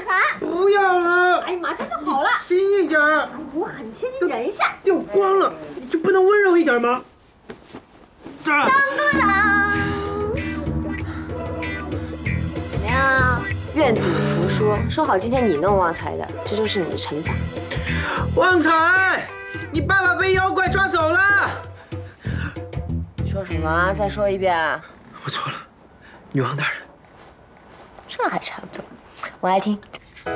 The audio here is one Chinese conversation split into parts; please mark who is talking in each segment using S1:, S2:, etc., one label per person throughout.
S1: 烦。
S2: 不要了。
S1: 哎，马上就好了。
S2: 轻一点。哎，
S1: 我很轻，你忍一下。
S2: 掉光了，你就不能温柔一点吗？
S1: 当当当！怎么样？愿赌服输，说好今天你弄旺财的，这就是你的惩罚。
S2: 旺财，你爸爸被妖怪抓走了。
S1: 说什么？再说一遍。
S2: 我错了，女王大人。
S1: 这还差不多，我爱听。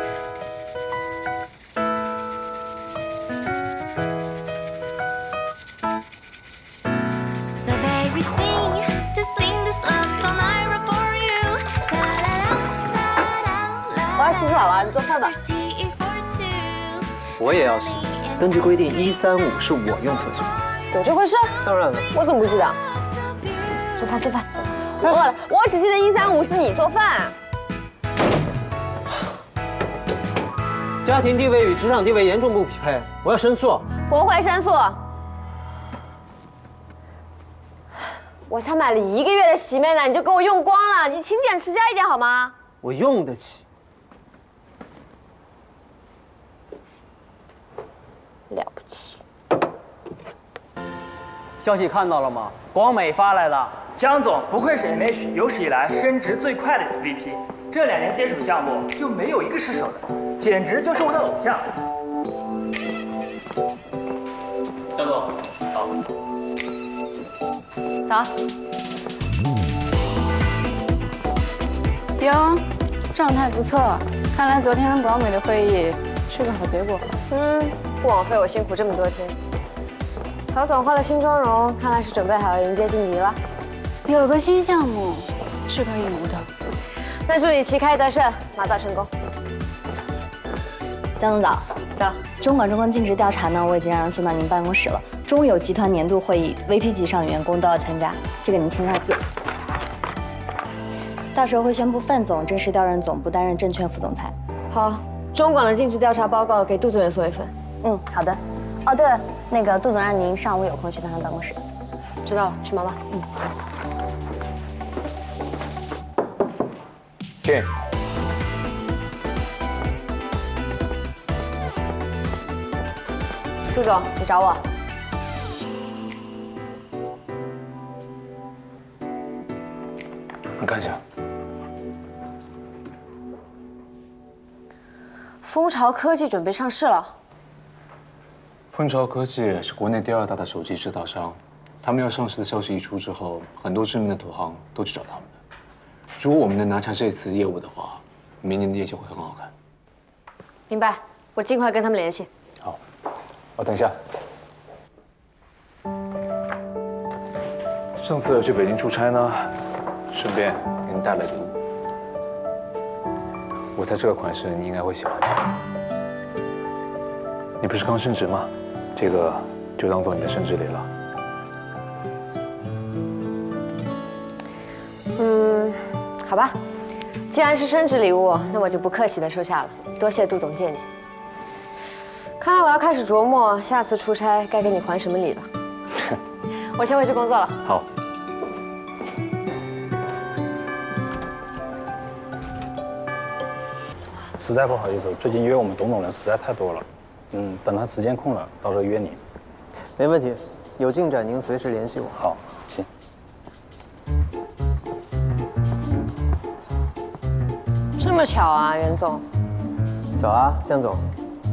S1: 我要洗澡了，你做饭吧。
S3: 我也要洗。根据规定，135是我用厕所。
S1: 有这回事？
S3: 当然了。
S1: 我怎么不知道？做饭做饭。我饿了，我只记得135是你做饭。
S3: 家庭地位与职场地位严重不匹配，我要申诉。
S1: 不会申诉。我才买了1个月的洗面奶，你就给我用光了，你勤俭持家一点好吗？
S3: 我用得起。
S1: 了不起。
S4: 消息看到了吗？广美发来的，江总不愧是 MH 有史以来升职最快的 VP， 这2年接手项目就没有一个失手的，简直就是我的偶像。江总，早。
S1: 早。
S5: 哟，状态不错，看来昨天跟广美的会议是个好结果。
S1: 不枉费我辛苦这么多天。曹总换了新妆容，看来是准备好要迎接晋级了。
S5: 有个新项目是可以无的。
S1: 那祝你旗开得胜，马到成功。
S6: 江总早。
S1: 早。
S6: 中管中跟尽职调查呢，我已经让人送到您办公室了。中有集团年度会议 ，VP 级以上员工都要参加，这个您签上字。到时候会宣布范总正式调任总部，担任证券副总裁。
S1: 好，中管的尽职调查报告给杜总也送一份。
S6: 好的。哦，对了，那个杜总让您上午有空去他办公室。
S1: 知道了，去忙吧。
S3: 进。
S1: 杜总，你找我。
S7: 你看一下。
S1: 蜂巢科技准备上市了。
S7: 蜂巢科技是国内第2大的手机制造商，他们要上市的消息一出之后，很多知名的投行都去找他们了。如果我们能拿下这次业务的话，明年的业绩会很好看。
S1: 明白，我尽快跟他们联系。
S7: 好，等一下。上次去北京出差呢，顺便给你带了礼物。我猜这个款式你应该会喜欢的。你不是刚升职吗？这个就当做你的升职礼了。
S1: 好吧，既然是升职礼物，那我就不客气的收下了。多谢杜总惦记。看来我要开始琢磨下次出差该给你还什么礼了。我先回去工作了。
S7: 好。
S8: 实在不好意思，最近约我们董总人实在太多了。等他时间空了，到时候约你。
S3: 没问题，有进展您随时联系我。
S8: 好，行。
S1: 这么巧啊，袁总。
S3: 早啊，江总。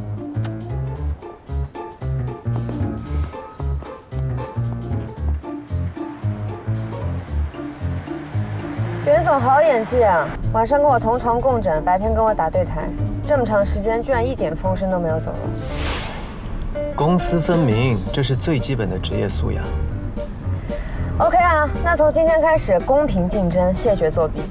S1: 袁总好演技啊！晚上跟我同床共枕，白天跟我打对台，这么长时间居然一点风声都没有走漏。
S3: 公私分明，这是最基本的职业素养。
S1: OK 啊，那从今天开始公平竞争，谢绝作弊。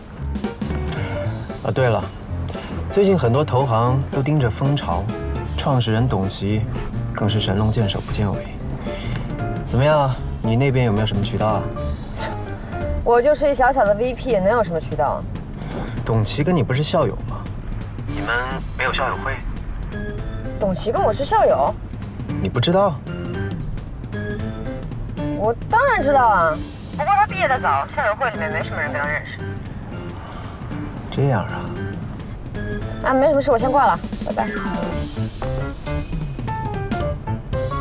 S3: 对了，最近很多投行都盯着蜂巢，创始人董琦更是神龙见首不见尾。怎么样，你那边有没有什么渠道啊？
S1: 我就是一小小的 VP， 能有什么渠道？
S3: 董琦跟你不是校友吗？你们没有校友会？
S1: 董琦跟我是校友？
S3: 你不知道？
S1: 我当然知道啊，不过他毕业的早，校友会里面没什么人跟他认识。
S3: 这样啊？
S1: 啊，没什么事，我先挂了，拜拜。